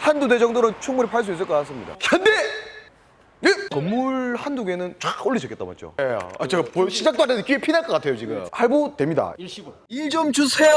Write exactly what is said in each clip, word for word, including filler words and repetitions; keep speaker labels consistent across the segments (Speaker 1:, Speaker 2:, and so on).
Speaker 1: 한두 대 정도는 충분히 팔 수 있을 것 같습니다. 현대! 네? 건물 한두 개는 쫙 올리셨겠다, 맞죠? 예. 아, 제가 보- 시작도 안 했는데 귀에 피날 것 같아요, 지금. 할부 됩니다.
Speaker 2: 일시불.
Speaker 1: 일 좀 주세요!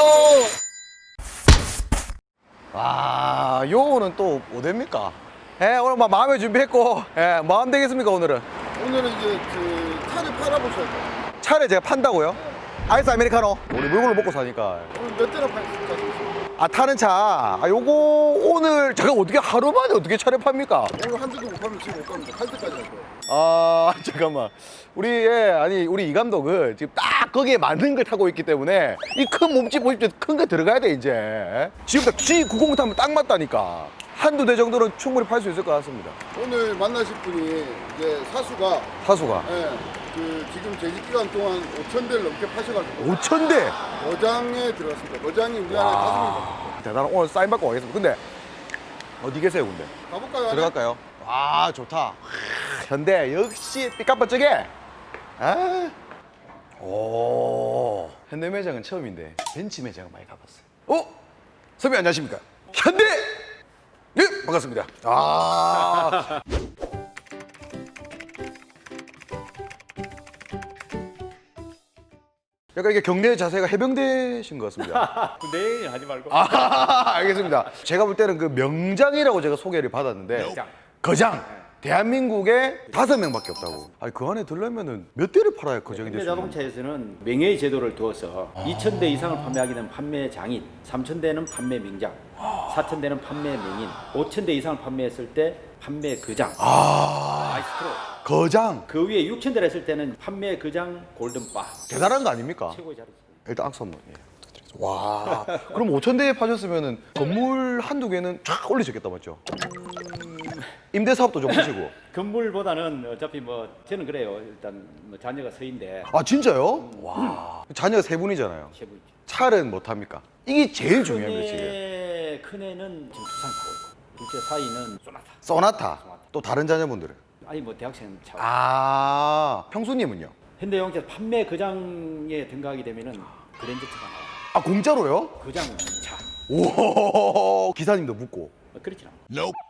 Speaker 1: 와, 요거는 또 어딥니까? 예, 오늘 막 마음의 준비했고, 예, 마음 되겠습니까, 오늘은?
Speaker 3: 오늘은 이제 그 차를 팔아보셔야 돼요.
Speaker 1: 차를 제가 판다고요? 아이스 아메리카노? 우리 물건을 먹고 사니까.
Speaker 3: 오늘 몇 대나 팔 수 있을까?
Speaker 1: 아, 타는 차. 아, 요거 오늘 제가 어떻게 하루 만에 어떻게 차를 팝니까?
Speaker 3: 오늘 한 대도 못 팔면 지금 못 갑니다. 할 때까지 할 거예요.
Speaker 1: 아, 잠깐만. 우리, 예, 아니, 우리 이 감독은 지금 딱 거기에 맞는 걸 타고 있기 때문에 이 큰 몸집 보십시오. 큰 거 들어가야 돼, 이제. 지금 딱 지 구십 타면 딱 맞다니까. 한두 대 정도는 충분히 팔 수 있을 것 같습니다.
Speaker 3: 오늘 만나실 분이 이제 사수가
Speaker 1: 사수가.
Speaker 3: 예, 그 지금 재직 기간 동안 오천 대를 넘게 파셔가지고
Speaker 1: 오천 대!
Speaker 3: 거장에 들어갔습니다. 거장이 우리 안에 다섯 명 있어요.
Speaker 1: 대단한. 오늘 사인 받고 가겠습니다. 근데 어디 계세요, 근데?
Speaker 3: 가볼까요? 안에?
Speaker 1: 들어갈까요? 아, 좋다. 하, 현대 역시 삐까뻔쩍해. 아, 오, 현대 매장은 처음인데 벤츠 매장은 많이 가봤어요. 어, 선배 안녕하십니까? 현대. 네, 반갑습니다. 아, 약간 이게 경례 자세가 해병대신 것 같습니다.
Speaker 2: 내일 하지 말고.
Speaker 1: 아, 알겠습니다. 제가 볼 때는 그 명장이라고 제가 소개를 받았는데
Speaker 2: 거장.
Speaker 1: 거장. 대한민국에 다섯 명밖에 없다고. 아니 그 안에 들려면은 몇 대를 팔아야 거장이 될 수 있는?
Speaker 2: 현대자동차에서는 명예의 제도를 두어서 이천 대 이상을 판매하게 되면 판매 장인, 삼천 대는 판매 명장, 사천 대는 판매 명인, 오천 대 이상을 판매했을 때 판매 거장.
Speaker 1: 아,
Speaker 2: 마이스트로.
Speaker 1: 거장.
Speaker 2: 그 위에 육천 대를 했을 때는 판매 거장 골든바.
Speaker 1: 대단한 거 아닙니까?
Speaker 2: 최고의 자리죠.
Speaker 1: 일단 악수 한번. 예, 부탁드리겠습니다. 와, 그럼 오천 대에 파셨으면은 건물 한두 개는 쫙 올리셨겠다, 맞죠? 임대 사업도 좀 하시고.
Speaker 2: 건물보다는 어차피 뭐 저는 그래요. 일단 뭐 자녀가 서인데
Speaker 1: 아, 진짜요? 와, 자녀 세 분이잖아요.
Speaker 2: 최고.
Speaker 1: 차는 못 합니까? 이게 제일 중요합니다, 지금.
Speaker 2: 큰애 큰애는 지금 두산 타고 있고 둘째 사이는 쏘나타.
Speaker 1: 소나타. 또 다른 자녀분들은?
Speaker 2: 아니 뭐 대학생 차.
Speaker 1: 아, 형수님은요?
Speaker 2: 현대자동차 판매 거장에 등록하게 되면은 그랜저차가 나와.
Speaker 1: 아, 공짜로요?
Speaker 2: 거장 차.
Speaker 1: 오, 기사님도 묻고.
Speaker 2: 어, 그렇진 않아.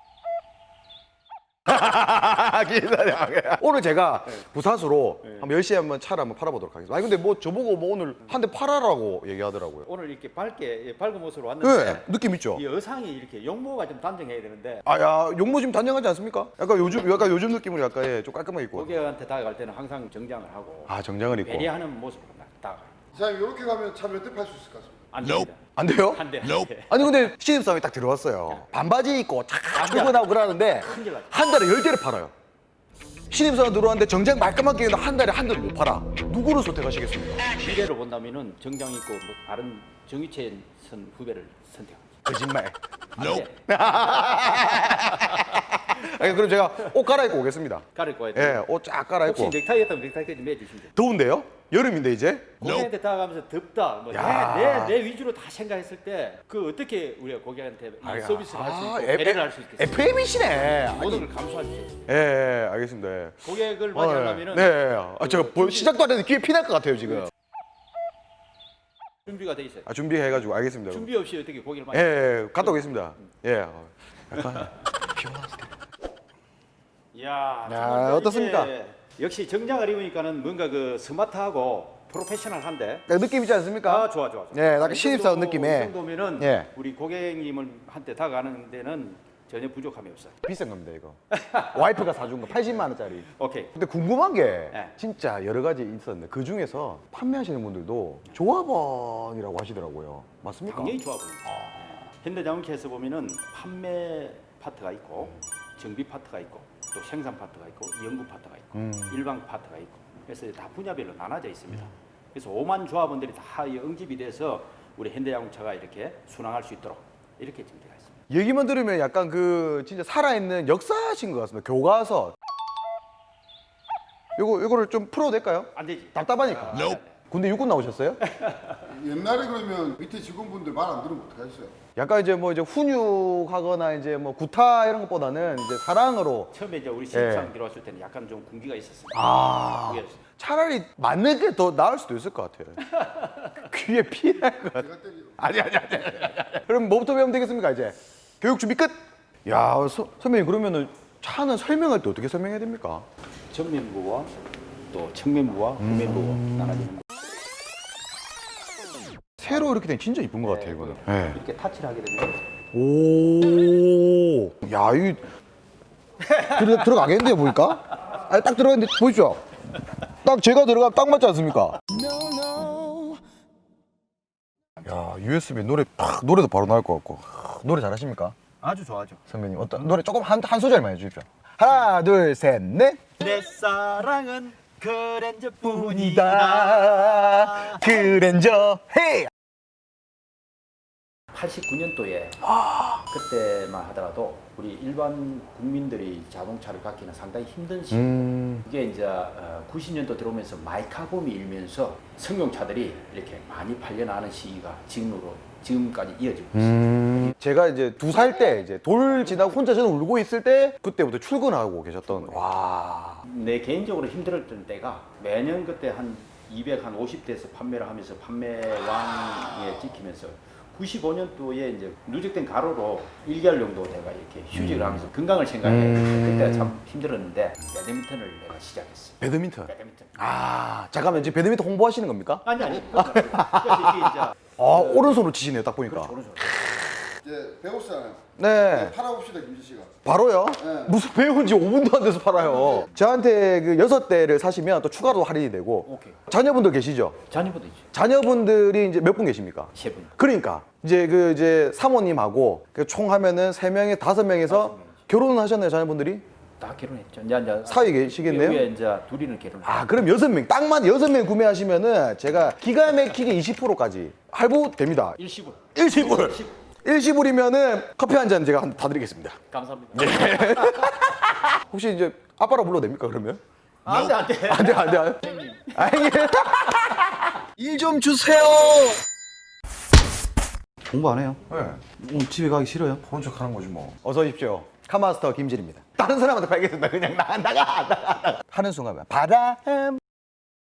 Speaker 1: 기사님. 오늘 제가 부사수로
Speaker 2: 네.
Speaker 1: 한번 열 시에 한번 차를 한번 팔아보도록 하겠습니다. 아니, 근데 뭐 저보고 뭐 오늘 한 대 팔아라고 얘기하더라고요.
Speaker 2: 오늘 이렇게 밝게 예, 밝은 모습으로
Speaker 1: 네,
Speaker 2: 왔는데
Speaker 1: 느낌 있죠?
Speaker 2: 이 의상이 이렇게 용모가 좀 단정해야 되는데
Speaker 1: 아, 야, 용모 지금 단정하지 않습니까? 약간 요즘, 약간 요즘 느낌으로 약간 예, 좀 깔끔하게 입고.
Speaker 2: 고객한테 다가갈 때는 항상 정장을 하고
Speaker 1: 아, 정장을 입고.
Speaker 2: 배려하는 모습으로 다가가요.
Speaker 3: 사장님 이렇게 가면 차 몇 대 팔 수 있을 것 같습니다.
Speaker 2: 안 됩니다.
Speaker 1: 안 돼요?
Speaker 2: 한 대, 한 대.
Speaker 1: 아니, 근데 신입사원이 딱 들어왔어요. 반바지 입고 탁 출근하고 그러는데
Speaker 2: 큰일 나죠.
Speaker 1: 한 달에 열 대를 팔아요. 신입사원 들어왔는데 정장 말끔하게 입는데 한 달에 한 대를 못 팔아. 누구를 선택하시겠습니까?
Speaker 2: 미래로 본다면은 정장 입고 뭐 다른 정유체 선 후배를 선택합니다.
Speaker 1: 거짓말.
Speaker 2: 안 돼.
Speaker 1: 아니, 그럼 제가 옷 갈아입고 오겠습니다.
Speaker 2: 가릴 거예요.
Speaker 1: 예, 옷 쫙
Speaker 2: 혹시
Speaker 1: 갈아입고.
Speaker 2: 넥타이 했다면 넥타이까지 매주시면 돼요.
Speaker 1: 더운데요? 여름인데 이제?
Speaker 2: 고객한테 다가가면서 덥다, 뭐
Speaker 1: 야.
Speaker 2: 내, 내, 내 위주로 다 생각했을 때 그 어떻게 우리가 고객한테 이 서비스를 할 수 있고 배려를 할 수 있겠어요?
Speaker 1: 에프엠이시네.
Speaker 2: 모든 걸 감수할 수 있어요.
Speaker 1: 예, 예, 알겠습니다. 예.
Speaker 2: 고객을
Speaker 1: 어,
Speaker 2: 맞이하려면은
Speaker 1: 네, 네. 아, 제가 보, 시작도 안 했는데 귀에 피날 것 같아요, 지금.
Speaker 2: 준비가 돼 있어요.
Speaker 1: 아, 준비해가지고 알겠습니다.
Speaker 2: 준비 없이 어떻게 고객을
Speaker 1: 예,
Speaker 2: 맞이?
Speaker 1: 예, 갔다 오겠습니다. 예. 어, 약간 피곤하시대.
Speaker 2: 이야,
Speaker 1: 야,
Speaker 2: 정말
Speaker 1: 어떻습니까?
Speaker 2: 이제 역시 정장을 입으니까는 뭔가 그 스마트하고 프로페셔널한데.
Speaker 1: 느낌 있지 않습니까?
Speaker 2: 아, 좋아, 좋아, 좋아.
Speaker 1: 예, 약간
Speaker 2: 이
Speaker 1: 신입사원
Speaker 2: 정도-
Speaker 1: 느낌의.
Speaker 2: 이 정도면은
Speaker 1: 예.
Speaker 2: 우리 고객님을 한테 다가가는 데는 전혀 부족함이 없어요.
Speaker 1: 비싼 겁니다, 이거. 와이프가 사준 거 팔십만 원짜리.
Speaker 2: 오케이.
Speaker 1: 근데 궁금한 게
Speaker 2: 네.
Speaker 1: 진짜 여러 가지 있었는데 그 중에서 판매하시는 분들도 조합원이라고 하시더라고요. 맞습니까?
Speaker 2: 당연히 좋아 보입니다. 현대자동차에서 보면은 판매 파트가 있고 정비 파트가 있고 또 생산 파트가 있고 연구 파트가 있고
Speaker 1: 음.
Speaker 2: 일반 파트가 있고 그래서 다 분야별로 나눠져 있습니다. 그래서 오만 조합원들이 다 이 응집이 돼서 우리 현대자동차가 이렇게 순항할 수 있도록 이렇게 준비가 있습니다.
Speaker 1: 얘기만 들으면 약간 그 진짜 살아있는 역사신 것 같습니다. 교과서. 요거 요거를 좀 풀어도 될까요?
Speaker 2: 안 되지.
Speaker 1: 답답하니까. 군대 육군 나오셨어요?
Speaker 3: 옛날에 그러면 밑에 직원분들 말 안 들으면 어떡하셨어요?
Speaker 1: 약간 이제 뭐 이제 훈육하거나 이제 뭐 구타 이런 것보다는 이제 사랑으로.
Speaker 2: 처음에 이제 우리 신입사원 들어왔을 때는 약간 좀 군기가 있었습니다.
Speaker 1: 아.
Speaker 2: 군기가 있었어요.
Speaker 1: 차라리 맞는 게 더 나을 수도 있을 것 같아요. 귀에 피날 것 같아요.
Speaker 3: 제가 때리고
Speaker 1: 아니 아니 아니. 아니, 아니. 그럼 뭐부터 배우면 되겠습니까 이제? 교육 준비 끝. 야, 서, 선배님 그러면은 차는 설명할 때 어떻게 설명해야 됩니까?
Speaker 2: 전면부와 또 측면부와 후면부가 나눠지는 거.
Speaker 1: 새로 이렇게 된 진짜 이쁜 것 같아요, 이거는. 네.
Speaker 2: 이렇게 타치를 하게 되면
Speaker 1: 오, 야, 이 들어, 들어가겠는데요, 보니까? 아니, 딱 들어갔는데, 보이죠? 딱 제가 들어가면 딱 맞지 않습니까? 야, 유에스비 노래, 팍, 노래도 바로 나올 것 같고. 노래 잘하십니까?
Speaker 2: 아주 좋아하죠.
Speaker 1: 선배님, 어떤, 노래 조금 한, 한 소절만 해주십시오. 하나, 둘, 셋, 넷.
Speaker 2: 내 사랑은 그랜저뿐이다.
Speaker 1: 이다 그랜저, 헤이!
Speaker 2: 팔십구 년도에 그때만 하더라도 우리 일반 국민들이 자동차를 갖기는 상당히 힘든 시기.
Speaker 1: 음,
Speaker 2: 그게 이제 구십 년도 들어오면서 마이카붐이 일면서 승용차들이 이렇게 많이 팔려나가는 시기가 지금으로 지금까지 이어지고 있습니다.
Speaker 1: 음. 제가 이제 두 살 때 이제 돌 지나고 혼자 저는 울고 있을 때 그때부터 출근하고 계셨던. 와.
Speaker 2: 내 개인적으로 힘들었던 때가 매년 그때 한 이백오십 대에서 판매를 하면서 판매왕에 찍히면서 구십오 년도에 이제 누적된 가로로 일 개월 정도 내가 이렇게 휴직을 하면서 건강을 생각해
Speaker 1: 음.
Speaker 2: 그때가 참 힘들었는데 배드민턴을 내가 시작했어.
Speaker 1: 배드민턴.
Speaker 2: 배드민턴.
Speaker 1: 아, 잠깐만 지금 배드민턴 홍보하시는 겁니까?
Speaker 2: 아니 아니. 그래서 이게 이제
Speaker 1: 아, 오른손으로 치시네요, 딱 보니까.
Speaker 2: 그렇죠, 오른손.
Speaker 3: 이제 배웠잖아요.
Speaker 1: 네.
Speaker 3: 팔아봅시다 김지 씨가.
Speaker 1: 바로요?
Speaker 3: 네.
Speaker 1: 무슨 배운 지 오 분도 안 돼서 팔아요. 저한테 그 여섯 대를 사시면 또 추가로 할인이 되고.
Speaker 2: 오케이.
Speaker 1: 자녀분들 계시죠?
Speaker 2: 자녀분도 있죠.
Speaker 1: 자녀분들이 이제 몇 분 계십니까?
Speaker 2: 세 분.
Speaker 1: 그러니까 이제 그 이제 사모님하고 그 총 하면은 세 명에 다섯 명에서 결혼은 하셨나요, 자녀분들이?
Speaker 2: 다 결혼했죠. 이제 이제
Speaker 1: 사위 계시겠네요?
Speaker 2: 위에 이제 둘이는 결혼.
Speaker 1: 아, 그럼 여섯 명, 딱만 여섯 명 구매하시면은 제가 기가 막히게 이십 퍼센트까지 할부 됩니다.
Speaker 2: 일시불.
Speaker 1: 일시불. 일시불이면은 커피 한 잔 제가 한- 다 드리겠습니다.
Speaker 2: 감사합니다.
Speaker 1: 혹시 이제 아빠라 불러도 됩니까, 그러면?
Speaker 2: 안돼 안돼.
Speaker 1: 안 돼, 안 돼, 안 돼. 아니. 일 좀 주세요.
Speaker 4: 공부 안 해요?
Speaker 1: 네.
Speaker 4: 오늘 집에 가기 싫어요?
Speaker 1: 보는 척 하는 거지 뭐. 어서 오십시오. 카마스터 김진입니다. 다른 사람한테 팔겠습니다. 그냥 나, 나가, 나가, 나가. 하는 순간 바람